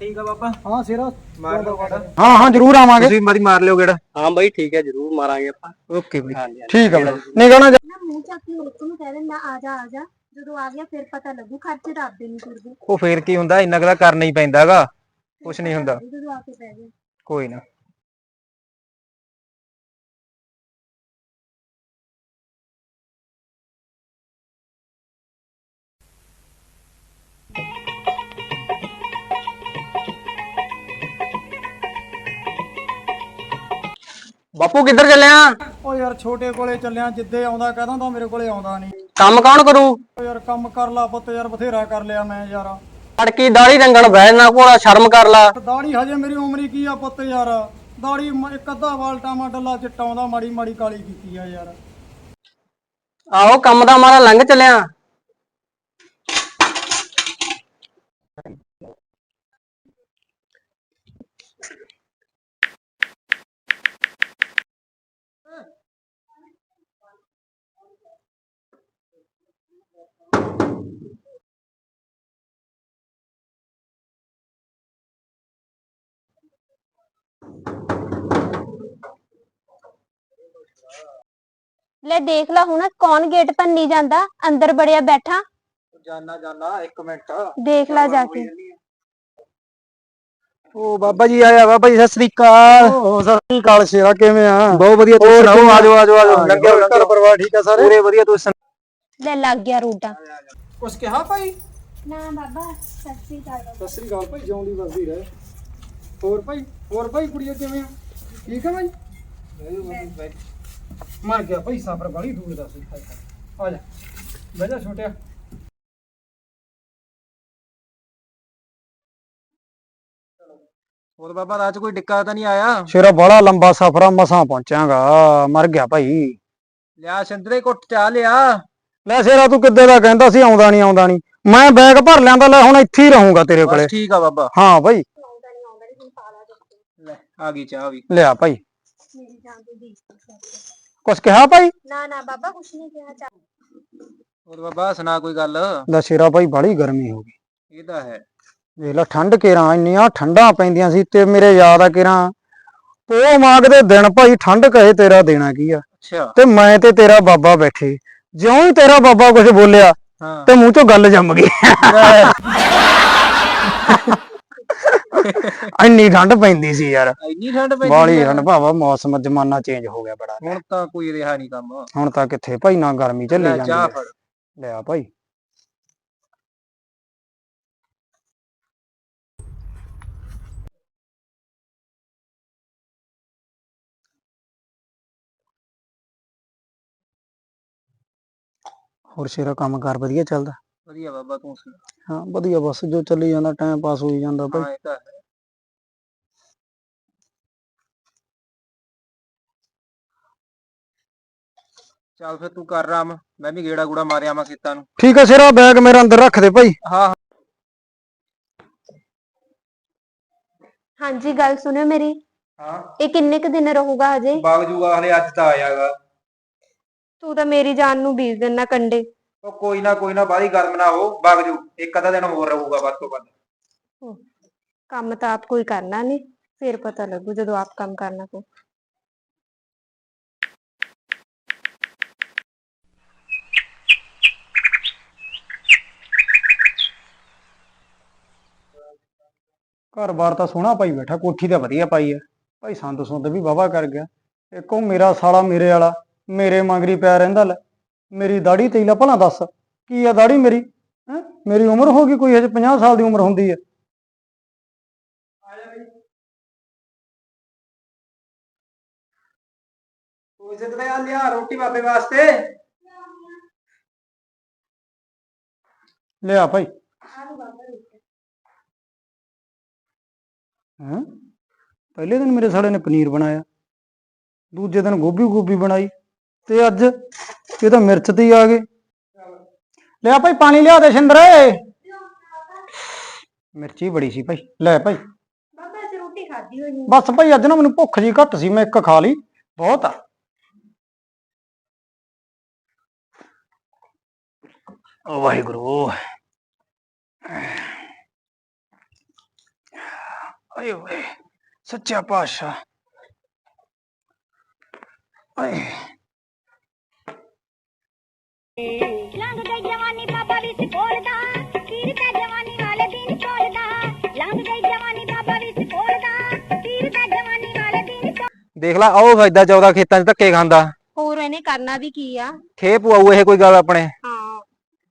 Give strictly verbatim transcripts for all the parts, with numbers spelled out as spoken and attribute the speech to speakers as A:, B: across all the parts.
A: ठीक है बाबा।
B: हाँ सिरा
A: मार लो गेड़ा।
B: हाँ हाँ जरूर आवांगे
A: ਤੁਸੀਂ ਮਰੀ ਮਾਰ ਲਿਓ ਗੇੜਾ।
C: हाँ भाई ठीक है जरूर मारांगे ਆਪਾਂ
A: ਓਕੇ ਬਈ।
C: हाँ जी हाँ जी,
B: ठीक है
C: गेड़ा
B: भाई
C: जरूर।
B: नहीं कहना
D: ਨਾ ਮੂੰਹ ਚੱਕ ਕੇ ਹੋਰ ਨੂੰ ਕਹਿ ਦਿੰਦਾ ਆ ਜਾ ਆ ਜਾ ਜਦੋਂ ਆ ਗਿਆ ਫਿਰ ਪਤਾ ਲੱਗੂ ਖਰਚੇ ਤਾਂ ਆਪਦੇ ਨਹੀਂ ਤੁਰਦੇ
A: ਉਹ ਫੇਰ ਕੀ ਹੁੰਦਾ, ਇੰਨਾ ਕੁ ਤਾਂ ਕਰਨਾ ਹੀ ਪੈਂਦਾਗਾ। ਕੁਛ ਨਹੀਂ ਹੁੰਦਾ,
D: ਜਦੋਂ ਆ ਕੇ ਪੈ ਗਿਆ
A: ਕੋਈ ਨਾ।
C: बापू किधर चले हैं?
B: ओ यार छोटे कोले ਚੱਲਿਆ ਜਿੱਦੇ ਆਉਂਦਾ ਕਹਦਾ ਤਾਂ ਮੇਰੇ ਕੋਲੇ ਆਉਂਦਾ ਨਹੀਂ
C: काम कौन करू
B: ਓ ਯਾਰ ਕੰਮ ਕਰ ਲਾ ਪੁੱਤ ਯਾਰ ਬਥੇਰਾ ਕਰ ਲਿਆ ਮੈਂ ਯਾਰ
C: अड़की दाढ़ी रंगन बहना कोड़ा शर्म कर ला
B: ਦਾੜੀ ਹਜੇ ਮੇਰੀ ਉਮਰ ਹੀ ਕੀ ਆ ਪੁੱਤ ਯਾਰ ਦਾੜੀ ਮ- ਇੱਕ ਅੱਧਾ ਵਾਲ ਟਾਮਾ ਡੱਲਾ ਚਿੱਟਾ ਆਉਂਦਾ ਮਾੜੀ ਮਾੜੀ ਕਾਲੀ ਕੀਤੀ ਆ ਯਾਰ
C: आहो कम दा हमारा लंघ चले हैं।
D: ਲੈ ਦੇਖ ਲਾ ਹੁਣ ਕੌਣ ਗੇਟ ਭੰਨੀ ਜਾਂਦਾ ਅੰਦਰ ਬੜਿਆ ਬੈਠਾ
A: ਜਾਨਾ ਜਾਨਾ ਇੱਕ ਮਿੰਟ।
D: ਦੇਖ ਲਾ ਜਾ ਕੇ
A: ਉਹ ਬਾਬਾ ਜੀ ਆਇਆ। ਬਾਬਾ ਜੀ ਸਤਿ ਸ੍ਰੀ ਅਕਾਲ।
B: ਓ ਸਤਿ ਸ੍ਰੀ ਅਕਾਲ ਸ਼ੇਰਾ ਕਿਵੇਂ ਆ
A: ਬਹੁਤ ਵਧੀਆ, ਤੁਸੀਂ ਸੁਣਾਓ? ਆਜੋ ਆਜੋ ਆਜੋ। ਲੰਘਿਆ
B: ਘਰ
A: ਲੰਘਿਆ
B: ਪਰਿਵਾਰ ਠੀਕ ਆ ਸਾਰੇ
A: ਪੂਰੇ ਵਧੀਆ। ਤੁਸੀਂ
D: ਲੈ ਲੱਗ ਗਿਆ ਰੂਟਾ
B: ਕੁਛ ਕਿਹਾ ਭਾਈ
D: ਨਾ ਬਾਬਾ ਸਤਿ ਸ੍ਰੀ ਅਕਾਲ
B: ਸਤਿ ਸ੍ਰੀ ਅਕਾਲ ਭਾਈ ਜਿਉਂਦੀ ਵਸਦੀ ਰਹੇ ਹੋਰ ਭਾਈ ਹੋਰ ਭਾਈ ਕੁੜੀਆਂ ਕਿਵੇਂ ਆ ਠੀਕ ਆ ਭਾਈ ਮਰ ਗਿਆ ਭਾਈ ਸਫਰ ਬੜੀ ਦੂਰ ਦਾ ਸੀ ਆ ਜਾ ਬਹਿ ਜਾ ਛੋਟਿਆ
A: ਹੋਰ ਬਾਬਾ ਰਾਤ ਕੋਈ ਡਿੱਕਾ ਤਾਂ ਨਹੀਂ ਆਇਆ?
B: ਸ਼ੇਰਾ ਬੜਾ ਲੰਬਾ ਸਫਰ ਆ ਮਸਾਂ ਪਹੁੰਚਾਂਗਾ ਮਰ ਗਿਆ ਭਾਈ
A: ਲਿਆ ਸਿੰਦਰੇ ਕੁੱਟ ਚਾ ਲਿਆ।
B: ਲੈ ਸ਼ੇਰਾ ਤੂੰ ਕਿੱਦੇ ਦਾ ਕਹਿੰਦਾ ਸੀ ਆਉਂਦਾ ਨਹੀਂ ਆਉਂਦਾ ਨਹੀਂ ਮੈਂ ਬੈਗ ਭਰ ਲਿਆਂਦਾ ਲੈ ਹੁਣ ਇੱਥੇ ਹੀ ਰਹੂੰਗਾ ਤੇਰੇ ਕੋਲੇ
A: ਬਸ ਠੀਕ ਆ ਬਾਬਾ।
B: ਹਾਂ ਭਾਈ
A: ਲੈ ਆ ਗਈ ਚਾਹ ਵੀ।
B: ਲਿਆ ਭਾਈ
D: ਮੇਰੀ ਜਾਨ ਦੀ ਦੀ
B: ਕੁਛ ਕਿਹਾ ਭਾਈ
D: ਨਾ ਨਾ ਬਾਬਾ ਕੁਛ ਨਹੀਂ ਕਿਹਾ ਚਾ
A: ਹੋਰ ਬਾਬਾ ਸੁਣਾ ਕੋਈ ਗੱਲ।
B: ਲੈ ਸ਼ੇਰਾ ਭਾਈ ਬੜੀ ਗਰਮੀ ਹੋ ਗਈ
A: ਇਹ ਤਾਂ ਹੈ।
B: ਦੇਖ ਲੈ ਠੰਡ ਕੇਰਾਂ ਇੰਨੀਆਂ ਠੰਡਾਂ ਪੈਂਦੀਆਂ ਸੀ ਤੇ ਮੇਰੇ ਯਾਦ ਆ ਕੇਰਾਂ ਪੋ ਮਾਗ ਦੇ ਦਿਨ ਭਾਈ ਠੰਡ ਕਹੇ ਤੇਰਾ ਦੇਣਾ ਕੀ ਆ
A: ਅੱਛਾ।
B: ਤੇ ਮੈਂ ਤੇ ਤੇਰਾ ਬਾਬਾ ਬੈਠੇ ਜਿਉਂ ਹੀ ਤੇਰਾ ਬਾਬਾ ਕੁਝ ਬੋਲਿਆ
A: ਹਾਂ
B: ਤੇ ਮੂੰਹ ਚੋਂ ਗੱਲ ਜੰਮ ਗਈ ਇੰਨੀ ਠੰਡ ਪੈਂਦੀ ਸੀ ਯਾਰ
A: ਇੰਨੀ ਠੰਡ ਪੈਂਦੀ
B: ਬਾਲੀ
A: ਆ?
B: ਠੰਡ ਭਾਵਾ ਮੌਸਮ ਜ਼ਮਾਨਾ ਚੇਂਜ ਹੋ ਗਿਆ ਬੜਾ
A: ਹੁਣ ਤਾਂ ਕੋਈ ਰਿਹਾ ਨਹੀਂ ਕੰਮ।
B: ਹੁਣ ਤਾਂ ਕਿੱਥੇ ਭਾਈ ਨਾ ਗਰਮੀ ਝੱਲੀ
A: ਲੈ
B: ਜਾਂਦੀ
A: ਚਾਹ
B: ਆ।
A: ਫੜ।
B: ਲਿਆ ਭਾਈ ਹੋਰ ਸ਼ੇਰਾ ਕੰਮ ਕਾਰ ਵਧੀਆ ਚੱਲਦਾ
A: ਵਧੀਆ ਬਾਬਾ ਤੂੰ ਸੁਣਾ।
B: ਹਾਂ ਵਧੀਆ ਬਸ ਜੋ ਚੱਲੀ ਜਾਂਦਾ ਟਾਈਮ ਪਾਸ ਹੋਈ ਜਾਂਦਾ ਭਾਈ
A: ਹਾਂ ਇਹ ਤਾਂ ਹੈ। ਚੱਲ ਫਿਰ ਤੂੰ ਕਰ ਰਾਮ, ਮੈਂ ਵੀ ਗੇੜਾ ਗੂੜਾ ਮਾਰਿਆ ਆਵਾਂ ਖੇਤਾਂ ਨੂੰ।
B: ਠੀਕ ਆ ਸ਼ੇਰਾ ਬੈਗ ਮੇਰਾ ਅੰਦਰ ਰੱਖ ਦੇ ਭਾਈ
A: ਹਾਂ ਹਾਂ।
D: ਹਾਂਜੀ ਗੱਲ ਸੁਣਿਓ ਮੇਰੀ
A: ਹਾਂ
D: ਇਹ ਕਿੰਨੇ ਕ ਦਿਨ ਰਹੂਗਾ ਹਜੇ
A: ਬਾਗ ਜੂਗਾ ਹਲੇ, ਅੱਜ ਤਾਂ ਆਇਆਗਾ।
D: ਤੂੰ ਤਾਂ ਮੇਰੀ ਜਾਨ ਨੂੰ ਬੀਜ ਦੇਣਾ ਕੰਡੇ
A: ਉਹ ਕੋਈ ਨਾ ਕੋਈ ਨਾ, ਬਾਹਲੀ ਗਰਮ ਨਾ ਹੋ, ਬਾਗ ਜੂ ਇੱਕ ਅੱਧਾ ਦਿਨ ਹੋਰ ਰਹੂਗਾ ਵੱਧ ਤੋਂ ਵੱਧ।
D: ਕੰਮ ਤਾਂ ਆਪ ਕੋਈ ਕਰਨਾ ਨਹੀਂ ਫਿਰ ਪਤਾ ਲੱਗੂ ਜਦੋਂ ਆਪ ਕੰਮ ਕਰਨਾ ਪਊ
B: ਘਰ ਬਾਰ ਤਾਂ ਸੋਹਣਾ ਪਾਈ ਬੈਠਾ ਕੋਠੀ ਤਾਂ ਵਧੀਆ ਪਾਈ ਐ ਭਾਈ ਸੰਦ ਸੁੰਦ ਵੀ ਵਾਹਵਾ ਕਰ ਗਿਆ ਇੱਕ ਉਹ ਮੇਰਾ ਸਾਲਾ ਮੇਰੇ ਵਾਲਾ ਮੇਰੇ ਮਗਰੀ ਪਿਆ ਰਹਿੰਦਾ ਲੈ ਮੇਰੀ ਦਾੜੀ ਤੇਲਾ ਭਲਾ ਦੱਸ ਕੀ ਆ ਦਾੜੀ ਮੇਰੀ ਹੈ ਮੇਰੀ ਉਮਰ ਹੋ ਗਈ ਕੋਈ ਹਜੇ ਪੰਜਾਹ ਸਾਲ ਦੀ ਉਮਰ ਹੁੰਦੀ ਐ
A: ਤੂੰ ਇਸੇ ਤਰ੍ਹਾਂ ਆ ਲਿਆ ਰੋਟੀ ਬਾਬੇ ਵਾਸਤੇ।
B: ਲਿਆ ਭਾਈ ਹੈਂ ਪਹਿਲੇ ਦਿਨ ਮੇਰੇ ਸਾਲੇ ਨੇ ਪਨੀਰ ਬਣਾਇਆ ਦੂਜੇ ਦਿਨ ਗੋਭੀ ਗੋਭੀ ਬਣਾਈ ਤੇ ਅੱਜ ਇਹ ਤਾਂ ਮਿਰਚ ਤੇ ਹੀ ਆ ਗਏ ਲਿਆ ਭਾਈ ਪਾਣੀ ਲਿਆ ਦੇ ਸ਼ਿੰਦਰੇ ਮਿਰਚੀ ਬੜੀ ਸੀ ਭਾਈ ਲੈ ਭਾਈ
D: ਬਾਬਾ ਅੱਜ ਰੋਟੀ ਖਾਧੀ ਹੋਈ
B: ਬਸ ਭਾਈ ਅੱਜ ਨਾ ਮੈਨੂੰ ਭੁੱਖ ਜੀ ਘੱਟ ਸੀ ਮੈਂ ਇੱਕ ਖਾ ਲਈ ਬਹੁਤ ਆ ਓ ਵਾਹਿਗੁਰੂ ਆਏ ਓਏ ਸੱਚਾ ਪਾਤਸ਼ਾਹ। ਆਏ
E: ਲੰਘ ਗਈ ਜਵਾਨੀ ਬਾਬਾ ਵੀ ਸਿਕੋਲਦਾ, ਪੀਰ ਦਾ ਜਵਾਨੀ ਵਾਲੇ ਦਿਨ ਕੋਲਦਾ। ਲੰਘ ਗਈ ਜਵਾਨੀ ਬਾਬਾ ਵੀ ਸਿਕੋਲਦਾ, ਪੀਰ ਦਾ ਜਵਾਨੀ ਵਾਲੇ ਦਿਨ ਕੋਲਦਾ।
A: ਦੇਖ ਲਾ ਉਹ ਫਾਇਦਾ ਚੌਦਾ ਖੇਤਾਂ 'ਚ ਧੱਕੇ ਖਾਂਦਾ,
D: ਹੋਰ ਇਹਨੇ ਕਰਨਾ ਵੀ ਕੀ ਆ?
A: ਖੇ ਪਵਾਊ ਇਹ ਕੋਈ ਗੱਲ ਆਪਣੇ।
D: ਹਾਂ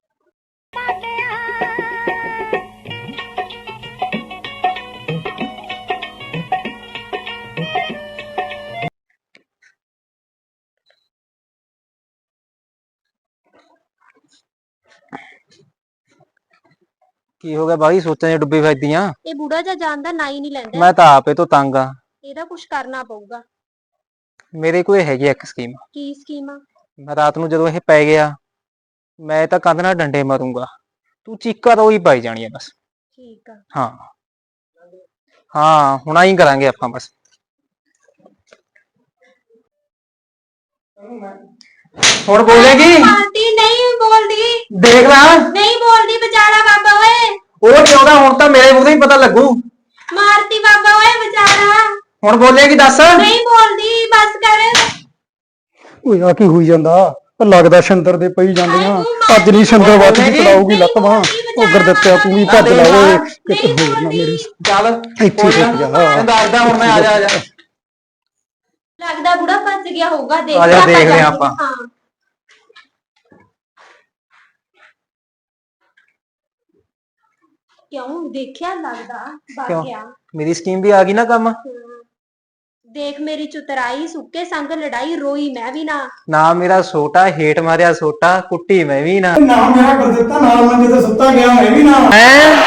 A: ਕੀ ਹੋ ਗਿਆ ਬਾਈ, ਸੋਚਾਂ 'ਚ ਡੁੱਬੀ ਫਿਰਦੀਆਂ।
D: ਇਹ ਬੁੜਾ ਜਿਹਾ ਜਾਣਦਾ ਨਾ ਹੀ ਨਹੀਂ ਲੈਂਦਾ।
A: ਮੈਂ ਤਾਂ ਆਪੇ ਤੋਂ ਤੰਗ ਆ।
D: ਇਹਦਾ ਕੁਝ ਕਰਨਾ ਪਊਗਾ।
A: ਮੇਰੇ ਕੋਲ ਹੈਗੀ ਆ ਇੱਕ ਸਕੀਮ।
D: ਕੀ ਸਕੀਮ ਆ?
A: ਮੈਂ ਰਾਤ ਨੂੰ ਜਦੋਂ ਇਹ ਪੈ ਗਿਆ, ਮੈਂ ਤਾਂ ਕੰਧ ਨਾਲ ਡੰਡੇ ਮਾਰੂੰਗਾ, ਤੂੰ ਚੀਕਾਂ ਤਾਂ ਉਹੀ ਪਾਈ ਜਾਣੀ ਆ ਬਸ।
D: ਠੀਕ ਆ।
A: ਹਾਂ ਹਾਂ ਹੁਣ ਆਈ ਕਰਾਂਗੇ ਆਪਾਂ ਬਸ। ਹੁਣ ਬੋਲੇਗੀ?
D: ਮਾਰਤੀ ਨਹੀਂ ਬੋਲਦੀ,
A: ਦੇਖ ਲੈ
D: ਨਹੀਂ ਬੋਲਦੀ ਵਿਚਾਰਾ ਬਾਬਾ ਓਏ।
A: ਉਹ ਨੀ ਆਉਂਦਾ, ਹੁਣ ਤਾਂ ਮੇਰੇ ਮੂੰਹ ਤੋਂ ਹੀ ਪਤਾ ਲੱਗੂ।
D: ਮਾਰਤੀ ਬਾਬਾ ਓਏ ਵਿਚਾਰਾ।
A: ਹੁਣ ਬੋਲੇਗੀ ਦੱਸ?
D: ਨਹੀਂ ਬੋਲਦੀ, ਬਸ ਕਰ।
B: ਓਏ ਆ ਕੀ ਹੋਈ ਜਾਂਦਾ? ਲੱਗਦਾ ਸ਼ੰਦਰ ਦੇ ਪਈ ਜਾਂਦੀਆਂ। ਅੱਜ ਨਹੀਂ ਸ਼ੰਦਰ ਵੱਧ ਦੀ ਚੜਾਉਗੀ ਲੱਤ ਬਾਂਹ। ਉਹ ਗੁਰਦਿੱਤਿਆ ਤੂੰ ਵੀ ਭੱਜ ਲਾ ਓਏ, ਕਿਤੇ ਹੋਰ ਨਾ ਮੇਰੀ
A: ਚੱਲ
B: ਇੱਥੇ ਰੁਕ ਜਾ।
A: ਤੈਨੂੰ ਦੱਸਦਾ ਹੁਣ ਮੈਂ। ਆ ਜਾ ਆ ਜਾ
D: ਲੱਗਦਾ ਬੁੜਾ ਫਸ ਗਿਆ ਹੋਊਗਾ। ਦੇਖ
A: ਆ ਜਾ,
D: ਆਪਾਂ
A: ਦੇਖਦੇ
D: ਜਾ
A: ਆਂ
D: ਕੇ।
A: ਆਪਾਂ।
D: ਹਾਂ ਕਿਉਂ ਦੇਖਿਆ? ਲੱਗਦਾ ਵਗ
A: ਕਿਉਂ?
D: ਗਿਆ।
A: ਮੇਰੀ ਸਕੀਮ ਵੀ ਆ ਗਈ ਨਾ ਕੰਮ।
D: ਹਮ, ਦੇਖ ਮੇਰੀ ਚੁਤਰਾਈ, ਸੁੱਕੇ ਸੰਗ ਲੜਾਈ, ਰੋਈ ਮੈਂ ਵੀ ਨਾ।
A: ਨਾ ਮੇਰਾ ਛੋਟਾ ਹੇਠ ਮਾਰਿਆ ਸੋਟਾ, ਕੁੱਟੀ ਮੈਂ ਵੀ ਨਾ।
B: ਨਾ ਮੇਰਾ ਗੁਰਦਿੱਤਾ ਨਾਲ ਮੰਜੇ ਤੇ ਸੁੱਤਾ ਗਿਆ, ਮੈਂ ਵੀ ਨਾ।
A: ਹੈਂ